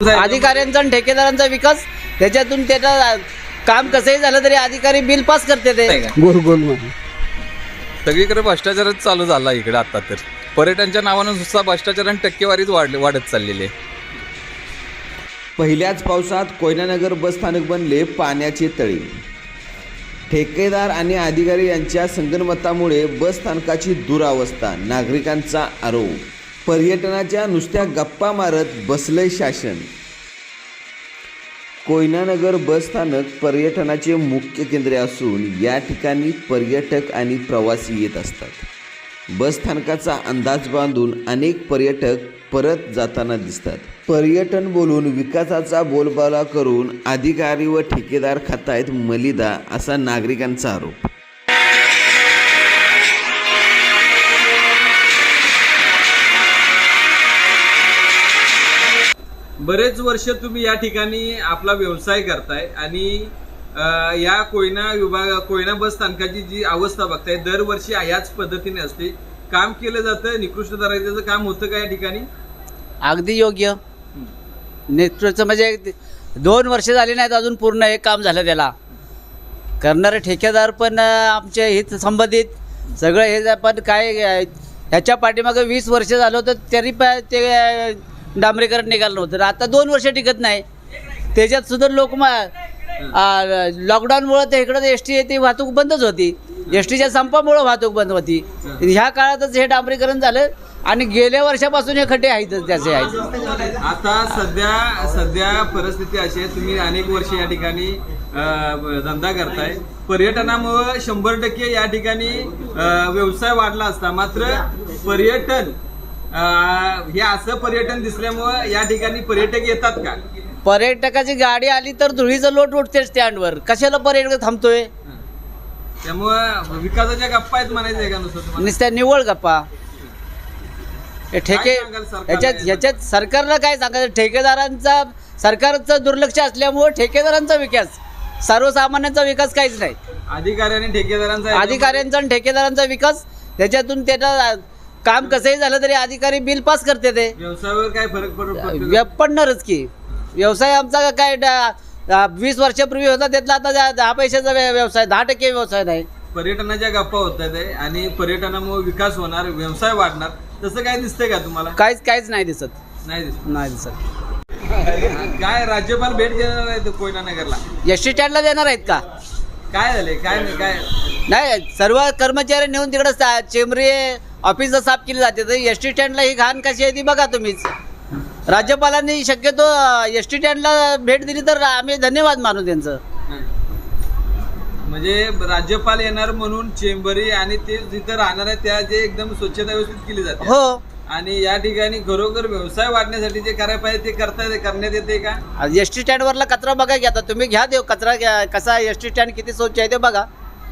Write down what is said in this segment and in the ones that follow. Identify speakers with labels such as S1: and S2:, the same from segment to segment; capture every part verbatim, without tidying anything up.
S1: अधिकाऱ्यांचा आणि ठेकेदारांचा विकास त्याच्यातून त्याचं काम कसंही झालं तरी अधिकारी बिल पास करते ते
S2: गोल गोल म्हणून
S3: सगळीकडे भ्रष्टाचारच चालू झाला इकडे आता तर पर्यटनच्या नावानं सुद्धा भ्रष्टाचार आणि टक्केवारीच वाढ वाढत चाललेली आहे.
S4: पहिल्याच पावसात कोयनानगर बस स्थानक बनले पाण्याचे तळे. ठेकेदार आणि अधिकारी यांच्या संगनमतामुळे बस स्थानकाची दुरावस्था. नागरिकांचा आरोप. पर्यटनाच्या नुसत्या गप्पा मारत बसलंय शासन. कोयनानगर बस स्थानक पर्यटनाचे मुख्य केंद्र असून या ठिकाणी पर्यटक आणि प्रवासी येत असतात. बस स्थानकाचा अंदाज बांधून अनेक पर्यटक परत जाताना दिसतात. पर्यटन बोलून विकासाचा बोलबाला करून अधिकारी व ठेकेदार खातायत मलिदा, असा नागरिकांचा आरोप.
S5: बरेच वर्ष तुम्ही या ठिकाणी आपला व्यवसाय करताय आणि या कोयना विभाग कोयना बस स्थानकाची जी अवस्था बघताय दरवर्षी याच पद्धतीने असते. काम केलं जातं, निकृष्ट दर्जाचं काम होतं का या ठिकाणी?
S1: अगदी योग्य. नेतृत्व म्हणजे दोन वर्ष झाली नाहीत अजून पूर्ण हे काम झालं. त्याला करणारे ठेकेदार पण आमचे हित संबंधित सगळं हे पण काय ह्याच्या पाठीमागं वीस वर्ष झालं होतं तरी पण ते डांबरीकरण निघालं नव्हतं. आता दोन वर्ष टिकत नाही. त्याच्यात सुद्धा लोक लॉकडाऊनमुळं ते इकडं एस टी ती वाहतूक बंदच होती. एस टीच्या संपामुळं वाहतूक बंद होती. ह्या काळातच हे डांबरीकरण झालं आणि गेल्या वर्षापासून हे खड्डे आहेतच त्याचे आहेत.
S5: आता सध्या सध्या परिस्थिती अशी आहे, तुम्ही अनेक वर्ष या ठिकाणी धंदा करताय. पर्यटनामुळं शंभर टक्के या ठिकाणी व्यवसाय वाढला असता. मात्र पर्यटन हे असं पर्यटन दिसल्यामुळं या ठिकाणी पर्यटक येतात का?
S1: पर्यटकाची गाडी आली तर धुळीचं लोट उठते स्टँडवर. कशाला पर्यटक थांबतोय?
S5: त्यामुळं विकासाच्या गप्पा आहेत म्हणायचं का नुसतं?
S1: नुसत्या निव्वळ गप्पा. ठेके ह्याच्यात ह्याच्यात सरकारला काय सांगायचं? ठेकेदारांचा सरकारचं दुर्लक्ष असल्यामुळे ठेकेदारांचा विकास, सर्वसामान्यांचा विकास काहीच नाही.
S5: अधिकारी आणि ठेकेदारांचा
S1: अधिकाऱ्यांचा आणि ठेकेदारांचा विकास त्याच्यातून त्याचं काम कसंही झालं तरी अधिकारी बिल पास करते ते.
S5: व्यवसायावर काय फरक पडतो?
S1: पडणारच की. व्यवसाय आमचा काय वीस वर्षापूर्वी होता त्यातला आता दहा पैशाचा व्यवसाय, दहा टक्के व्यवसाय नाही.
S5: पर्यटनाच्या गप्पा होत आहेत आणि पर्यटनामुळे विकास होणार, व्यवसाय वाढणार, तसं काय दिसतंय का तुम्हाला?
S1: काहीच काहीच नाही दिसत.
S5: नाही दिसत
S1: नाही दिसत.
S5: काय राज्यपाल भेट देणार आहेत कोयनानगरला?
S1: एस टी स्टँडला देणार आहेत का?
S5: काय झाले? काय नाही काय
S1: नाही, सर्व कर्मचारी नेऊन तिकडं चेंबरी ऑफिसला साफ केली जाते. तर एस टी स्टँडला ही घाण कशी आहे ती बघा तुम्हीच. राज्यपालांनी शक्यतो एस टी स्टँडला भेट दिली तर आम्ही धन्यवाद मानू त्यांचं.
S5: म्हणजे राज्यपाल येणार म्हणून चेंबरी आणि ते जिथं राहणार आहे त्या जे एकदम स्वच्छता व्यवस्थित केली जाते.
S1: हो.
S5: आणि या ठिकाणी खरोखर व्यवसाय वाढण्यासाठी जे करायला पाहिजे ते करता करण्यात येते का?
S1: एस टी स्टँडवरला कचरा बघा की आता तुम्ही घ्या देव कचरा कसा एस टी स्टँड किती स्वच्छ आहे ते बघा.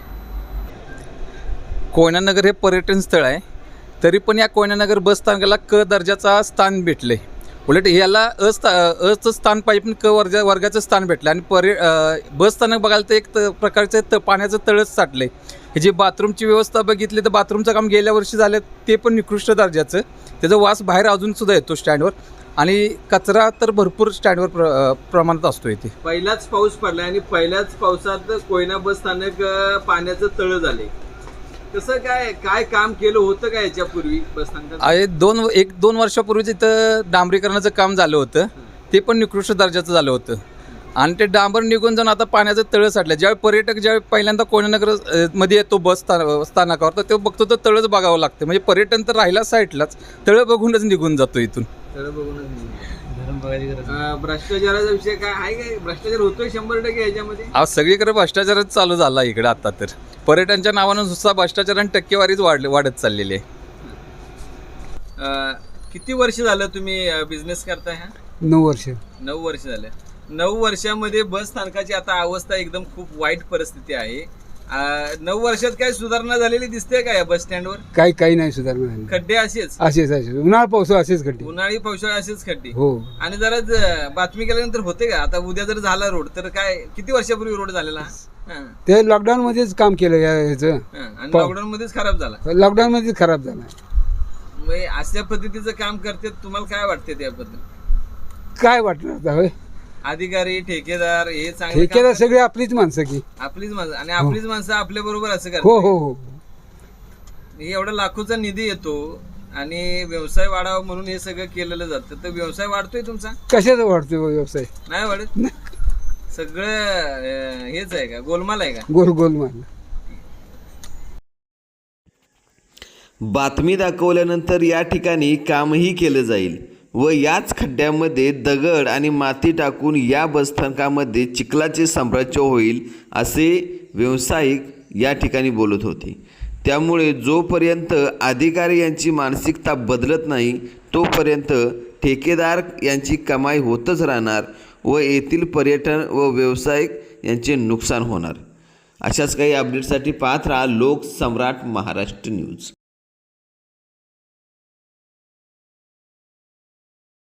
S3: कोयनानगर हे पर्यटन स्थळ आहे, तरी पण या कोयनानगर बस स्थानकाला क दर्जाचा स्थान भेटले. उलट याला अस्था अचं स्थान पाहिजे पण क वर्ग वर्गाचं स्थान भेटलं. आणि पर्य बस स्थानक बघायला तर एक त प्रकारचं त पाण्याचं तळच साठलं आहे. हे जे बाथरूमची व्यवस्था बघितली तर बाथरूमचं काम गेल्या वर्षी झालं ते पण निकृष्ट दर्जाचं. त्याचा वास बाहेर अजूनसुद्धा येतो स्टँडवर. आणि कचरा तर भरपूर स्टँडवर प्र प्रमाणात असतो इथे.
S5: पहिलाच पाऊस पडला आणि पहिल्याच पावसात कोयना बस स्थानक पाण्याचं तळ झाले. कसं काय काय काम केलं होतं का याच्यापूर्वी बस स्थानकात?
S3: आहे दोन एक दोन वर्षापूर्वीच इथं डांबरीकरणाचं काम झालं होतं. ते पण निकृष्ट दर्जाचं झालं होतं. आणि ते डांबर निघून जाऊन आता पाण्याचं तळं साठलं. ज्यावेळी पर्यटक ज्यावेळी पहिल्यांदा कोयनानगर मध्ये येतो बस स्थान स्थानकावर तर तो बघतो तर तळंच बघावं लागतं. म्हणजे पर्यटन तर राहिला साईडलाच, तळं बघूनच निघून जातो इथून.
S5: तळं बघूनच. भ्रष्टाचाराचा विषय काय आहे? काय भ्रष्टाचार होतोय शंभर टक्के याच्यामध्ये?
S3: आज सगळीकडे भ्रष्टाचारच चालू झाला इकडे आता तर पर्यटनच्या नावानं सुद्धा भ्रष्टाचार आणि टक्केवारीच वाढ वाढत चाललेली आहे.
S5: किती वर्ष झालं तुम्ही बिझनेस करताय? हा,
S2: नऊ वर्ष.
S5: नऊ वर्ष झाले. नऊ वर्षामध्ये बस स्थानकाची आता अवस्था एकदम खूप वाईट परिस्थिती आहे. नऊ वर्षात काही सुधारणा झालेली दिसते का या बस स्टँडवर?
S2: काही काही नाही सुधारणा झाली.
S5: खड्डे असेच
S2: असेच असेच उन्हाळा पावसाळा असेच खड्डे.
S5: उन्हाळी पावसाळा असेच खड्डे.
S2: हो. आणि
S5: जरा बातमी केल्यानंतर होते का? आता उद्या जर झाला रोड तर काय किती वर्षापूर्वी रोड झालेला?
S2: ते लॉकडाऊन मध्येच काम केलं याचं.
S5: आणि लॉकडाऊन मध्येच खराब झाला.
S2: लॉकडाऊन मध्येच खराब झाला.
S5: अशा पद्धतीचं काम करते तुम्हाला काय वाटते त्याबद्दल?
S2: काय वाटणार आता होय
S5: अधिकारी ठेकेदार हे चांगले
S2: ठेकेदार
S5: काम
S2: सगळी आपलीच माणसं की
S5: करतात. आपलीच माणसं आणि आपलीच माणसं आपल्या बरोबर असं
S2: हो
S5: करतात
S2: हो हो
S5: एवढा लाखोचा निधी येतो आणि व्यवसाय वाढावा म्हणून हे सगळं केलेलं जातं तर व्यवसाय वाढतोय तुमचा
S2: कशाचा वाढतोय हो व्यवसाय
S5: नाही वाढत सगळं अं, हेच आहे का गोलमाल आहे का
S2: गोल गोल मारला
S4: बातमी दाखवल्यानंतर या ठिकाणी कामही केलं जाईल व याच खड्ड्यामध्ये दगड आणि माती टाकून या बसस्थानकामध्ये चिखलाचे साम्राज्य होईल असे व्यावसायिक या ठिकाणी बोलत होते. त्यामुळे जोपर्यंत अधिकारी यांची मानसिकता बदलत नाही तोपर्यंत ठेकेदार यांची कमाई होतच राहणार व येथील पर्यटन व व्यावसायिक यांचे नुकसान होणार. अशाच काही अपडेटसाठी पाहत राहा लोकसम्राट महाराष्ट्र न्यूज.